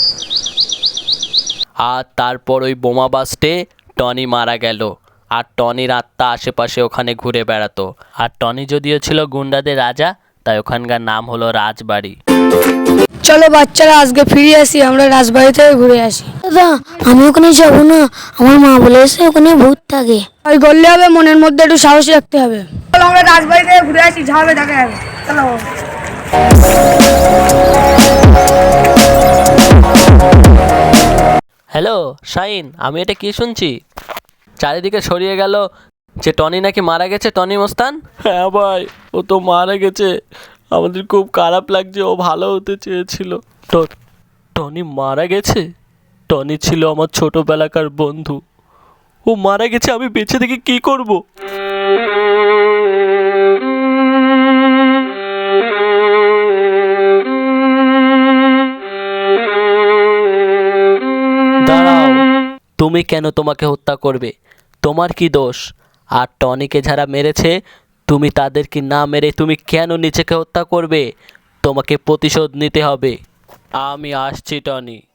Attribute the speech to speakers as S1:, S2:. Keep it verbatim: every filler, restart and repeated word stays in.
S1: আর তারপর ওই বোমা বাস্টে টনি মারা গেল। আর টনির আত্মা আশেপাশে ওখানে ঘুরে বেড়াতো। আর টনি যদিও ছিল গুন্ডাদের রাজা, তাই ওখানকার নাম হলো রাজবাড়ি।
S2: চলো বাচ্চারা আজকে ফিরে আসি, আমরা রাজবাড়ি থেকে ঘুরে আসি।
S3: দাদা আমি ওখানে যাবো না, আমার মা বলেছে ওখানে ভূত থাকে।
S2: ওই করলে হবে, মনের মধ্যে একটু সাহস রাখতে হবে। চলো আমরা রাজবাড়ি থেকে ঘুরে আসি, যা হবে দেখা যাবে। চলো।
S1: হ্যালো শাইন, আমি এটা কি শুনছি? চারিদিকে ছড়িয়ে গেল যে টনি নাকি মারা গেছে, টনি মস্তান। হ্যাঁ ভাই, ও তো মারা গেছে। আমাদের খুব খারাপ লাগছে, ও ভালো হতে চেয়েছিল। টনি মারা গেছে? টনি ছিল আমার ছোটবেলাকার বন্ধু, ও মারা গেছে। আমি বেঁচে থেকে কি করব? দাঁড়াও, তুমি কেন তোমাকে হত্যা করবে? তোমার কি দোষ? আর টনিকে যারা মেরেছে, তুমি তাদেরকে না মেরে তুমি কেন নিজেকে হত্যা করবে? তোমাকে প্রতিশোধ নিতে হবে। আমি আসছি টনি।